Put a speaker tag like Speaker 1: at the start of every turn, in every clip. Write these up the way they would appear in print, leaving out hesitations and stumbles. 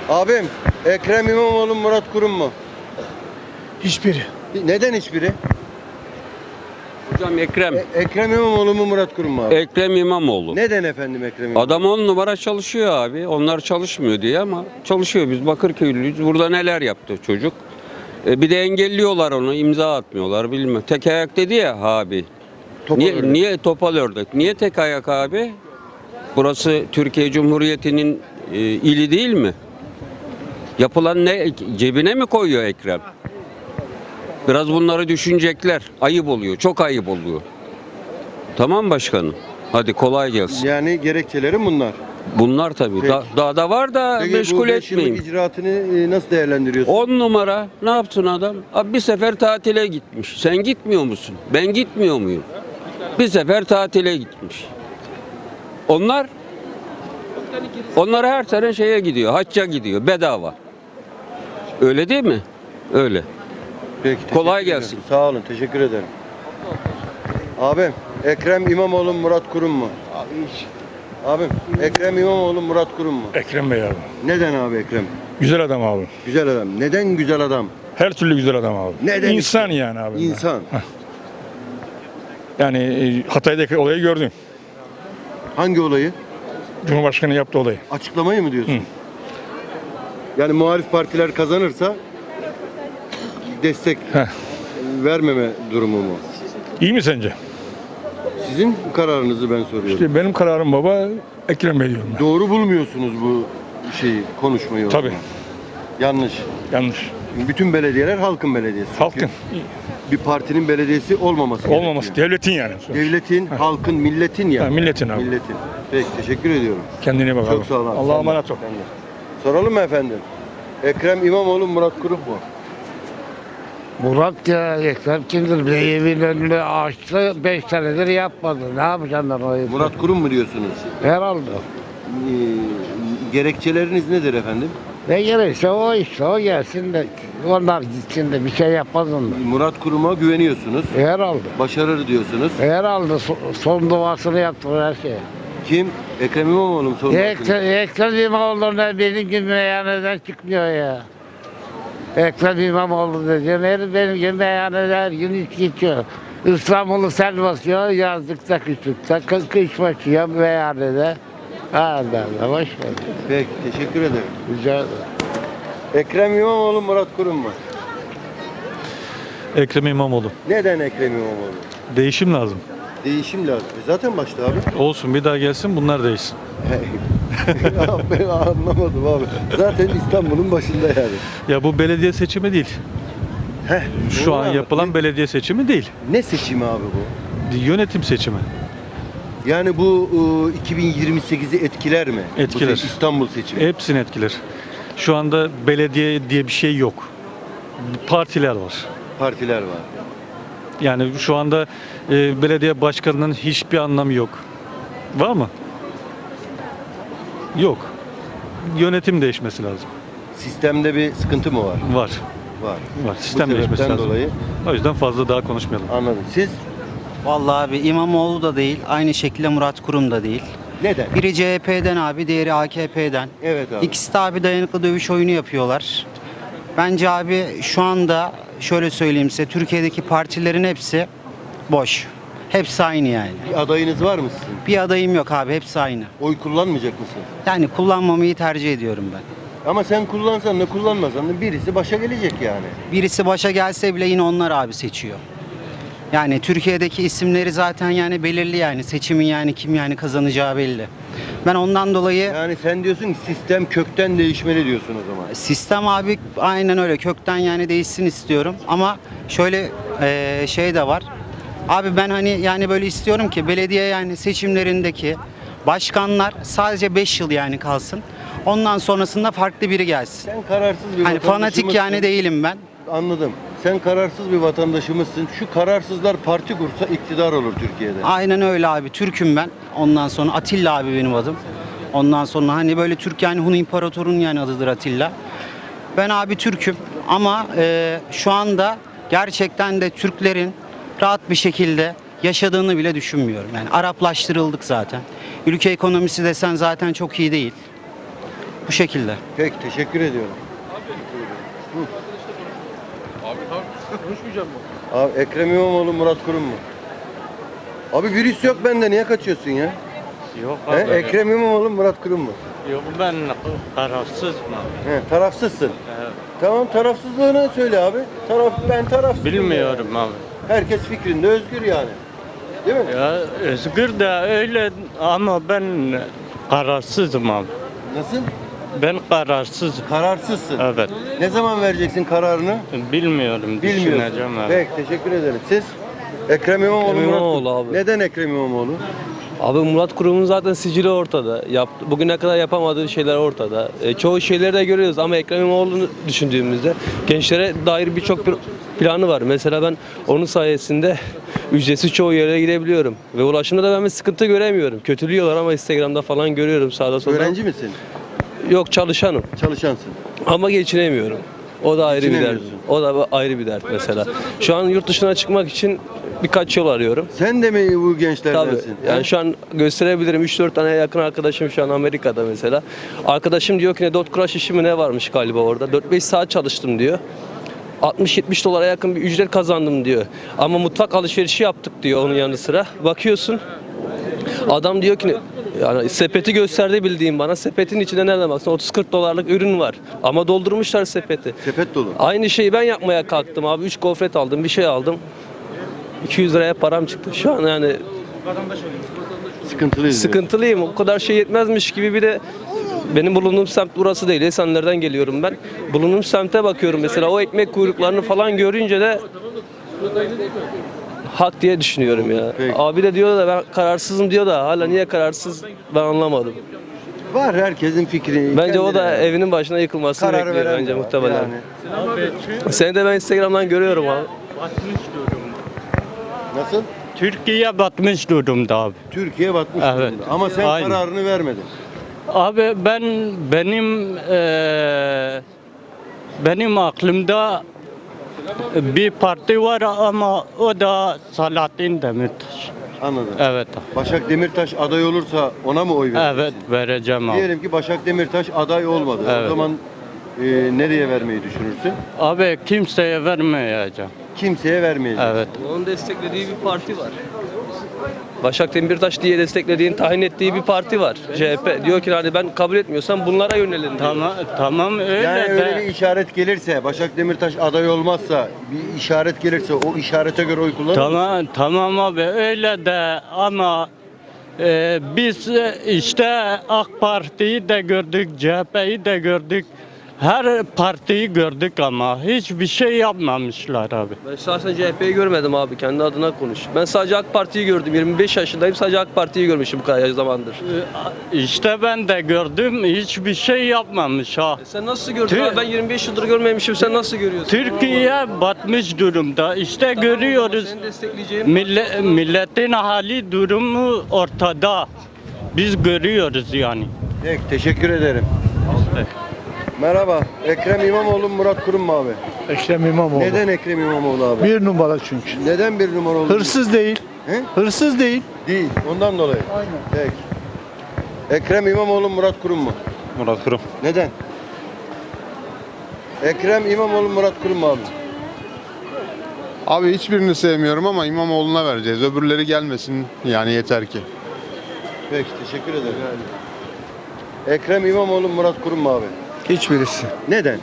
Speaker 1: Abim, Ekrem İmamoğlu, Murat Kurum mu?
Speaker 2: Hiçbiri.
Speaker 1: Neden hiçbiri?
Speaker 3: Hocam Ekrem.
Speaker 1: Ekrem İmamoğlu mu, Murat Kurum mu abi?
Speaker 3: Ekrem İmamoğlu.
Speaker 1: Neden efendim Ekrem İmamoğlu?
Speaker 3: Adam 10 numara çalışıyor abi. Onlar çalışmıyor diye ama çalışıyor. Biz Bakırköylüyüz. Burada neler yaptı çocuk. Bir de engelliyorlar onu. İmza atmıyorlar bilmem. Tek ayak dedi ya abi.
Speaker 1: Topal ördek.
Speaker 3: Niye topal ördek? Niye tek ayak abi? Burası Türkiye Cumhuriyeti'nin ili değil mi? Yapılan ne? Cebine mi koyuyor Ekrem? Biraz bunları düşünecekler. Ayıp oluyor. Çok ayıp oluyor. Tamam başkanım. Hadi kolay gelsin.
Speaker 1: Yani gerekçelerim bunlar.
Speaker 3: Bunlar tabii.
Speaker 1: Peki.
Speaker 3: Daha da var da
Speaker 1: Peki
Speaker 3: meşgul
Speaker 1: bu 5 yıllık
Speaker 3: etmeyin.
Speaker 1: icraatını nasıl değerlendiriyorsun?
Speaker 3: 10 numara ne yaptın adam? Abi bir sefer tatile gitmiş. Sen gitmiyor musun? Ben gitmiyor muyum? Bir sefer tatile gitmiş. Onlar her sene şeye gidiyor. Hacca gidiyor. Bedava. Öyle değil mi? Öyle.
Speaker 1: Peki,
Speaker 3: Kolay
Speaker 1: teşekkür
Speaker 3: gelsin.
Speaker 1: ederim. Sağ olun, teşekkür ederim. Abim, Ekrem İmamoğlu, Murat Kurum mu? Abim, Ekrem İmamoğlu, Murat Kurum mu?
Speaker 2: Ekrem Bey abi.
Speaker 1: Neden abi Ekrem?
Speaker 2: Güzel adam abi.
Speaker 1: Güzel adam. Neden güzel adam?
Speaker 2: Her türlü güzel adam abi.
Speaker 1: Neden
Speaker 2: İnsan
Speaker 1: işte?
Speaker 2: yani abi.
Speaker 1: İnsan.
Speaker 2: Yani Hatay'daki olayı gördün.
Speaker 1: Hangi olayı?
Speaker 2: Cumhurbaşkanı yaptığı olayı.
Speaker 1: Açıklamayı mı diyorsun?
Speaker 2: Hı.
Speaker 1: Yani muhalif partiler kazanırsa destek
Speaker 2: Heh.
Speaker 1: vermeme durumu mu?
Speaker 2: İyi mi sence?
Speaker 1: Sizin kararınızı ben soruyorum.
Speaker 2: İşte benim kararım baba Ekrem Bey diyorum ben.
Speaker 1: Doğru bulmuyorsunuz bu konuşmayı. o
Speaker 2: Tabii.
Speaker 1: zaman. Yanlış.
Speaker 2: Yanlış.
Speaker 1: Bütün belediyeler halkın belediyesi.
Speaker 2: Halkın
Speaker 1: Bir partinin belediyesi olmaması
Speaker 2: olmaması.
Speaker 1: gerekiyor.
Speaker 2: Devletin yani.
Speaker 1: Devletin, halkın, milletin ya.
Speaker 2: Ha, milletin abi.
Speaker 1: Milletin. Peki, teşekkür ediyorum.
Speaker 2: Kendine iyi bak
Speaker 1: Çok
Speaker 2: abi.
Speaker 1: sağ olun abi.
Speaker 2: Allah'a
Speaker 1: Sen de,
Speaker 2: emanet ol.
Speaker 1: sen de. Soralım mı efendim? Ekrem İmamoğlu, Murat Kurum mu?
Speaker 4: Murat ya Ekrem kimdir? Bir evin önünü açtı 5 senedir yapmadı. Ne yapacağım ben o evi?
Speaker 1: Murat Kurum mu diyorsunuz?
Speaker 4: Herhalde.
Speaker 1: Gerekçeleriniz nedir efendim?
Speaker 4: Ne gerekse o işte o gelsin de onlar gitsin de bir şey yapmaz onlar.
Speaker 1: Murat Kurum'a güveniyorsunuz.
Speaker 4: Herhalde.
Speaker 1: Başarır diyorsunuz.
Speaker 4: Herhalde son duasını yaptı her şey.
Speaker 1: Kim? Ekrem İmamoğlu mu sorun?
Speaker 4: Ekrem İmamoğlu'na benim gibi meyhaneden çıkmıyor ya. Ekrem İmamoğlu dediğin herif benim gibi meyhanede her gün içki içiyor. İstanbul'u sel basıyor, yazlıkta kışlıkta, kış başlıyor meyhanede. Allah Allah, boş ver.
Speaker 1: Peki, teşekkür ederim.
Speaker 4: Rica ederim.
Speaker 1: Ekrem İmamoğlu, Murat Kurum mu?
Speaker 5: Ekrem İmamoğlu.
Speaker 1: Neden Ekrem İmamoğlu?
Speaker 5: Değişim lazım.
Speaker 1: Değişim lazım. Zaten başta abi.
Speaker 5: Olsun bir daha gelsin bunlar değişsin.
Speaker 1: Ya ben anlamadım abi. Zaten İstanbul'un başında yani.
Speaker 5: Ya bu belediye seçimi değil.
Speaker 1: Heh,
Speaker 5: Şu
Speaker 1: doğru
Speaker 5: an
Speaker 1: abi.
Speaker 5: yapılan belediye seçimi değil.
Speaker 1: Ne seçimi abi bu?
Speaker 5: Yönetim seçimi.
Speaker 1: Yani bu 2028'i etkiler mi?
Speaker 5: Etkiler.
Speaker 1: Bu İstanbul seçimi.
Speaker 5: Hepsini etkiler. Şu anda belediye diye bir şey yok. Partiler var.
Speaker 1: Partiler var.
Speaker 5: Yani şu anda belediye başkanının hiçbir anlamı yok. Var mı? Yok. Yönetim değişmesi lazım.
Speaker 1: Sistemde bir sıkıntı mı var?
Speaker 5: Var.
Speaker 1: Var.
Speaker 5: Var. Sistem
Speaker 1: Bu
Speaker 5: değişmesi
Speaker 1: sebepten
Speaker 5: lazım.
Speaker 1: dolayı
Speaker 5: O yüzden fazla daha konuşmayalım.
Speaker 1: anladım. Siz
Speaker 6: Vallahi abi İmamoğlu da değil, aynı şekilde Murat Kurum da değil.
Speaker 1: neden?
Speaker 6: Biri CHP'den abi, diğeri AKP'den.
Speaker 1: Evet abi.
Speaker 6: İkisi de abi dayanıklı dövüş oyunu yapıyorlar. Bence abi şu anda şöyle söyleyeyim size, Türkiye'deki partilerin hepsi boş. Hepsi aynı yani.
Speaker 1: Bir adayınız var mı sizin?
Speaker 6: Bir adayım yok abi, hepsi aynı.
Speaker 1: Oy kullanmayacak mısın?
Speaker 6: Yani kullanmamayı tercih ediyorum ben.
Speaker 1: Ama sen kullansan da kullanmasan da birisi başa gelecek yani.
Speaker 6: Birisi başa gelse bile yine onlar abi seçiyor. Yani Türkiye'deki isimleri zaten yani belirli yani seçimin yani kim yani kazanacağı belli. Ben ondan dolayı
Speaker 1: Yani sen diyorsun ki sistem kökten değişmeli diyorsun o zaman.
Speaker 6: sistem abi aynen öyle kökten yani değişsin istiyorum ama şöyle şey de var. Abi ben hani yani böyle istiyorum ki belediye yani seçimlerindeki başkanlar sadece 5 yıl yani kalsın. Ondan sonrasında farklı biri gelsin.
Speaker 1: Sen kararsız bir
Speaker 6: Hani fanatik yani değilim ben.
Speaker 1: Anladım. Sen kararsız bir vatandaşımızsın. Şu kararsızlar parti kursa iktidar olur Türkiye'de.
Speaker 6: Aynen öyle abi. Türk'üm ben. Ondan sonra Atilla abi benim adım. Ondan sonra hani böyle Türk yani Hun İmparator'un yani adıdır Atilla. Ben abi Türk'üm ama şu anda gerçekten de Türklerin rahat bir şekilde yaşadığını bile düşünmüyorum. Yani Araplaştırıldık zaten. Ülke ekonomisi desen zaten çok iyi değil. Bu şekilde.
Speaker 1: Peki teşekkür ediyorum. Abi Ekrem İmamoğlu, Murat Kurum mu? Abi virüs yok bende, niye kaçıyorsun ya?
Speaker 7: Yok
Speaker 1: He? Ekrem İmamoğlu, Murat Kurum mu?
Speaker 7: Yok ben kararsızım.
Speaker 1: He, tarafsızsın.
Speaker 7: Evet.
Speaker 1: Tamam, tarafsızlığını söyle abi. Ben tarafsızım.
Speaker 7: Bilmiyorum abi.
Speaker 1: Herkes fikrinde özgür yani. Değil mi?
Speaker 7: Ya özgür de öyle ama ben kararsızım abi.
Speaker 1: Nasıl?
Speaker 7: Ben kararsızım.
Speaker 1: Kararsızsın.
Speaker 7: Evet.
Speaker 1: Ne zaman vereceksin kararını?
Speaker 7: Bilmiyorum.
Speaker 1: Bilmiyorsun.
Speaker 7: Düşüneceğim evet.
Speaker 1: Peki teşekkür ederim. Siz? Ekrem İmamoğlu,
Speaker 8: Ekrem
Speaker 1: Murat
Speaker 8: İmamoğlu
Speaker 1: Kurum.
Speaker 8: abi.
Speaker 1: Neden Ekrem İmamoğlu?
Speaker 8: Abi Murat Kurum'un zaten sicili ortada. Bugüne kadar yapamadığı şeyler ortada. Çoğu şeyleri de görüyoruz ama Ekrem İmamoğlu'nu düşündüğümüzde gençlere dair birçok bir planı var. Mesela ben onun sayesinde ücretsiz çoğu yere gidebiliyorum. Ve ulaşımda da ben bir sıkıntı göremiyorum. Kötülüyorlar ama Instagram'da falan görüyorum sağda solda.
Speaker 1: Öğrenci misin?
Speaker 8: Yok, çalışanım
Speaker 1: Çalışansın.
Speaker 8: ama geçinemiyorum. O da ayrı bir dert.
Speaker 1: Geçinemiyorsun.
Speaker 8: O da ayrı bir dert mesela. Şu an yurt dışına çıkmak için birkaç yol arıyorum.
Speaker 1: Sen de mi bu
Speaker 8: Tabii.
Speaker 1: gençlerdensin?
Speaker 8: Yani şu an gösterebilirim. 3-4 tane yakın arkadaşım şu an Amerika'da mesela. Arkadaşım diyor ki ne dot crash işi mi ne varmış galiba orada. 4-5 saat çalıştım diyor. 60-70 dolara yakın bir ücret kazandım diyor. Ama mutfak alışverişi yaptık diyor onun yanı sıra. Bakıyorsun adam diyor ki yani sepeti gösterdi bildiğim bana. Sepetin içinde nereden baksan 30-40 dolarlık ürün var. Ama doldurmuşlar sepeti.
Speaker 1: Sepet dolu.
Speaker 8: Aynı şeyi ben yapmaya kalktım abi. 3 gofret aldım, bir şey aldım. 200 liraya param çıktı. Şu an yani
Speaker 1: Sıkıntılıyız.
Speaker 8: sıkıntılıyım. O kadar şey yetmezmiş gibi bir de benim bulunduğum semt burası değil. Esenler'den geliyorum ben. Bulunduğum semte bakıyorum mesela o ekmek kuyruklarını falan görünce de hak diye düşünüyorum ya.
Speaker 1: Peki.
Speaker 8: Abi de diyor da ben kararsızım diyor da hala niye kararsız ben anlamadım.
Speaker 1: Var herkesin fikri.
Speaker 8: Bence o da
Speaker 1: kendine.
Speaker 8: evinin başına yıkılmasını
Speaker 1: Kararı
Speaker 8: bekliyor
Speaker 1: veren
Speaker 8: bence
Speaker 1: de var.
Speaker 8: muhtemelen.
Speaker 1: Yani.
Speaker 8: Seni de ben Instagram'dan görüyorum abi.
Speaker 7: Batmış durumda.
Speaker 1: Nasıl?
Speaker 7: Türkiye batmış durumda abi.
Speaker 1: Türkiye batmış
Speaker 7: Evet.
Speaker 1: durumda. Ama sen
Speaker 7: Aynen.
Speaker 1: kararını vermedin.
Speaker 7: Abi benim aklımda bir parti var ama o da Selahattin Demirtaş.
Speaker 1: Anladım.
Speaker 7: Evet.
Speaker 1: Başak Demirtaş aday olursa ona mı oy vereceksin?
Speaker 7: Evet vereceğim abi.
Speaker 1: Diyelim ki Başak Demirtaş aday olmadı. O
Speaker 7: Evet.
Speaker 1: zaman nereye vermeyi düşünürsün?
Speaker 7: Abi kimseye vermeyeceğim.
Speaker 1: Kimseye vermeyeceksin.
Speaker 7: Evet.
Speaker 8: Onun desteklediği bir parti var. Başak Demirtaş diye desteklediğin, tayin ettiği bir parti var. CHP. Diyor ki hani ben kabul etmiyorsam bunlara yönelin diyor.
Speaker 7: Tamam öyle
Speaker 1: Yani
Speaker 7: de.
Speaker 1: öyle bir işaret gelirse, Başak Demirtaş aday olmazsa, bir işaret gelirse o işarete göre oy kullanır mısın?
Speaker 7: Tamam abi öyle de ama biz işte AK Parti'yi de gördük, CHP'yi de gördük. Her partiyi gördük ama hiçbir şey yapmamışlar abi.
Speaker 8: Ben şahsen CHP'yi görmedim abi. Kendi adına konuş. Ben sadece AK Parti'yi gördüm. 25 yaşındayım. Sadece AK Parti'yi görmüşüm bu kadar zamandır.
Speaker 7: İşte ben de gördüm hiçbir şey yapmamış ha.
Speaker 8: Sen nasıl gördün
Speaker 7: Tü-
Speaker 8: abi? Ben 25 yıldır görmemişim. Sen nasıl görüyorsun?
Speaker 7: Türkiye batmış durumda. İşte görüyoruz.
Speaker 8: Seni destekleyeceğim.
Speaker 7: Milletin hali durumu ortada. Biz görüyoruz yani.
Speaker 1: Peki, teşekkür ederim. Merhaba. Ekrem İmamoğlu, Murat Kurum mu abi?
Speaker 9: Ekrem İmamoğlu.
Speaker 1: Neden Ekrem İmamoğlu abi?
Speaker 9: Bir numara çünkü.
Speaker 1: Neden bir numara oldu?
Speaker 9: Hırsız değil.
Speaker 1: He?
Speaker 9: Hırsız değil.
Speaker 1: Değil. Ondan dolayı.
Speaker 9: Aynen.
Speaker 1: Peki. Ekrem İmamoğlu, Murat Kurum mu?
Speaker 2: Murat Kurum.
Speaker 1: Neden? Ekrem İmamoğlu, Murat Kurum mu abi?
Speaker 10: Abi hiçbirini sevmiyorum ama İmamoğlu'na vereceğiz. Öbürleri gelmesin yani yeter ki.
Speaker 1: Peki, teşekkür ederim. Ekrem İmamoğlu, Murat Kurum mu abi?
Speaker 11: Hiçbirisi.
Speaker 1: Neden?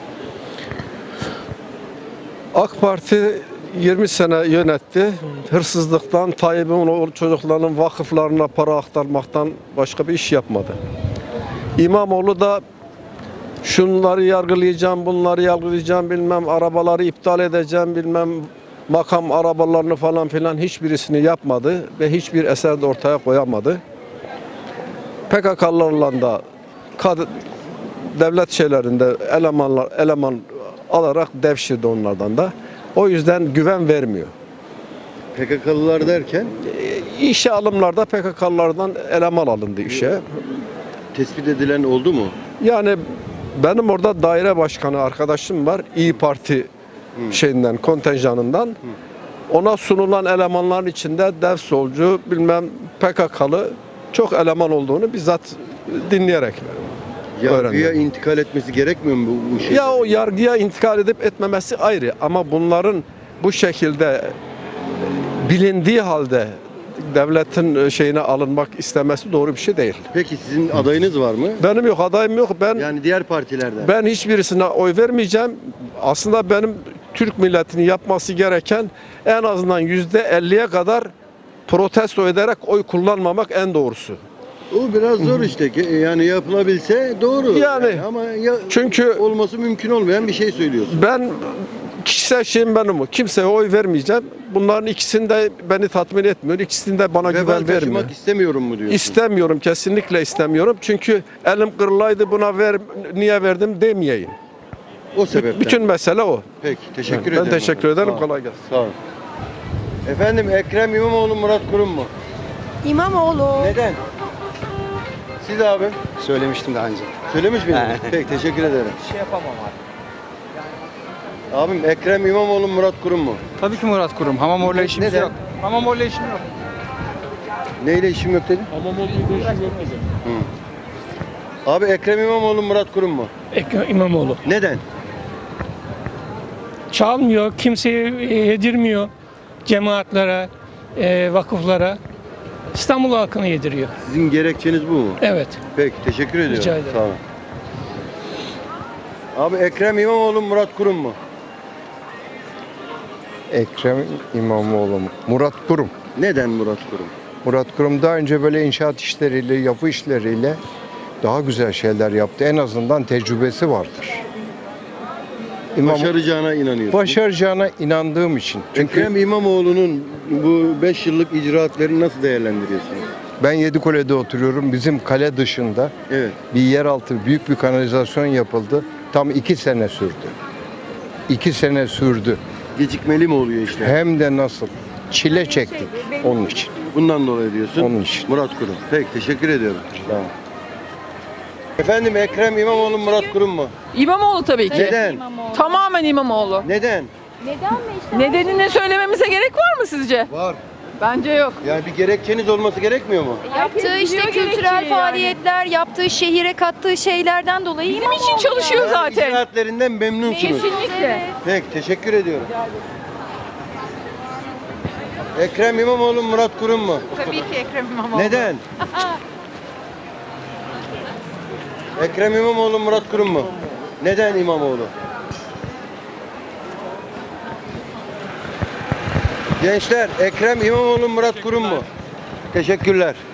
Speaker 11: AK Parti 20 sene yönetti. Hırsızlıktan, Tayyip'in o çocukların vakıflarına para aktarmaktan başka bir iş yapmadı. İmamoğlu da şunları yargılayacağım, bunları yargılayacağım, bilmem arabaları iptal edeceğim, bilmem makam arabalarını falan filan hiçbirisini yapmadı ve hiçbir eser de ortaya koyamadı. PKK'larla da devlet şeylerinde eleman alarak devşirdi onlardan da. O yüzden güven vermiyor.
Speaker 1: PKK'lılar derken
Speaker 11: İşe alımlarda PKK'lardan eleman alındı işe.
Speaker 1: tespit edilen oldu mu?
Speaker 11: Yani benim orada daire başkanı arkadaşım var. İyi Parti şeyinden, kontenjanından. Ona sunulan elemanların içinde dev solcu, bilmem PKK'lı çok eleman olduğunu bizzat dinleyerek.
Speaker 1: Yargıya
Speaker 11: öğrendim.
Speaker 1: intikal etmesi gerekmiyor mu bu şey?
Speaker 11: Ya o yargıya intikal edip etmemesi ayrı ama bunların bu şekilde bilindiği halde devletin şeyine alınmak istemesi doğru bir şey değil.
Speaker 1: Peki sizin adayınız var mı?
Speaker 11: Benim yok, adayım yok.
Speaker 1: Yani diğer partilerden.
Speaker 11: Ben hiçbirisine oy vermeyeceğim. Aslında benim Türk milletinin yapması gereken en azından %50'ye kadar protesto ederek oy kullanmamak en doğrusu.
Speaker 1: O biraz zor işte. Yani yapılabilse doğru.
Speaker 11: Yani,
Speaker 1: ama
Speaker 11: çünkü
Speaker 1: olması mümkün olmayan bir şey söylüyorsun.
Speaker 11: Ben kişisel şeyim benim o. Kimseye oy vermeyeceğim. Bunların ikisini de beni tatmin etmiyor. İkisini de bana
Speaker 1: Vebal
Speaker 11: güven vermiyor.
Speaker 1: taşımak istemiyorum mu diyorsun?
Speaker 11: İstemiyorum, kesinlikle istemiyorum. Çünkü elim kırılaydı buna niye verdim demeyeyim.
Speaker 1: O sebepten.
Speaker 11: Bütün mesele o.
Speaker 1: Peki teşekkür
Speaker 11: Ben
Speaker 1: ederim.
Speaker 11: teşekkür
Speaker 1: Sağ
Speaker 11: ederim.
Speaker 1: ol.
Speaker 11: Kolay gelsin.
Speaker 1: Sağ olun. Efendim Ekrem İmamoğlu, Murat Kurum mu?
Speaker 12: İmamoğlu.
Speaker 1: Neden? Siz abi
Speaker 6: Söylemiştim daha önce.
Speaker 1: söylemiş miydiniz? Peki teşekkür ederim.
Speaker 6: Şey yapamam abi.
Speaker 1: Abim Ekrem İmamoğlu, Murat Kurum mu?
Speaker 6: Tabii ki Murat Kurum. Hamamor'la işimiz
Speaker 1: Neden?
Speaker 6: yok. Hamamor'la işim yok.
Speaker 1: Neyle işim yok dedin? Hı. Abi Ekrem İmamoğlu, Murat Kurum mu?
Speaker 2: Ekrem İmamoğlu.
Speaker 1: Neden?
Speaker 2: Çalmıyor, kimseye yedirmiyor. Cemaatlere, vakıflara. İstanbul halkını yediriyor.
Speaker 1: Sizin gerekçeniz bu mu?
Speaker 2: Evet.
Speaker 1: Peki teşekkür ediyorum.
Speaker 2: Rica ederim.
Speaker 1: Sağ olun. Abi Ekrem İmamoğlu, Murat Kurum mu?
Speaker 13: Ekrem İmamoğlu mu? Murat Kurum.
Speaker 1: Neden Murat Kurum?
Speaker 13: Murat Kurum daha önce böyle inşaat işleriyle, yapı işleriyle daha güzel şeyler yaptı. En azından tecrübesi vardır.
Speaker 1: Başaracağına inanıyorsun.
Speaker 13: Başaracağına inandığım için. Çünkü
Speaker 1: Ekrem İmamoğlu'nun bu 5 yıllık icraatlerini nasıl değerlendiriyorsunuz?
Speaker 13: ben Yedikule'de oturuyorum. Bizim kale dışında
Speaker 1: Evet.
Speaker 13: bir yeraltı büyük bir kanalizasyon yapıldı. Tam 2 sene sürdü. 2 sene sürdü.
Speaker 1: Gecikmeli mi oluyor işte?
Speaker 13: Hem de nasıl? Çile çektik onun için.
Speaker 1: Bundan dolayı diyorsun.
Speaker 13: Onun için.
Speaker 1: Murat Kurum. Peki teşekkür ediyorum. Tamam. Efendim Ekrem İmamoğlu, Murat Kurum mu?
Speaker 12: İmamoğlu tabii ki.
Speaker 1: Neden?
Speaker 12: Tamamen İmamoğlu.
Speaker 1: Neden?
Speaker 12: Nedenini söylememize gerek var mı sizce?
Speaker 1: Var.
Speaker 12: Bence yok.
Speaker 1: Yani bir gerekçeniz olması gerekmiyor mu?
Speaker 14: Yaptığı işte kültürel faaliyetler, yaptığı şehire kattığı şeylerden dolayı
Speaker 12: Bizim için çalışıyor
Speaker 1: Yani
Speaker 12: zaten.
Speaker 1: icraatlerinden memnunsunuz.
Speaker 12: Kesinlikle.
Speaker 1: Peki teşekkür ediyorum. Ekrem İmamoğlu, Murat Kurum mu?
Speaker 12: Tabii ki Ekrem İmamoğlu.
Speaker 1: Neden? Ekrem İmamoğlu, Murat Kurum mu? Neden İmamoğlu? Gençler, Ekrem İmamoğlu, Murat Kurum mu? Teşekkürler.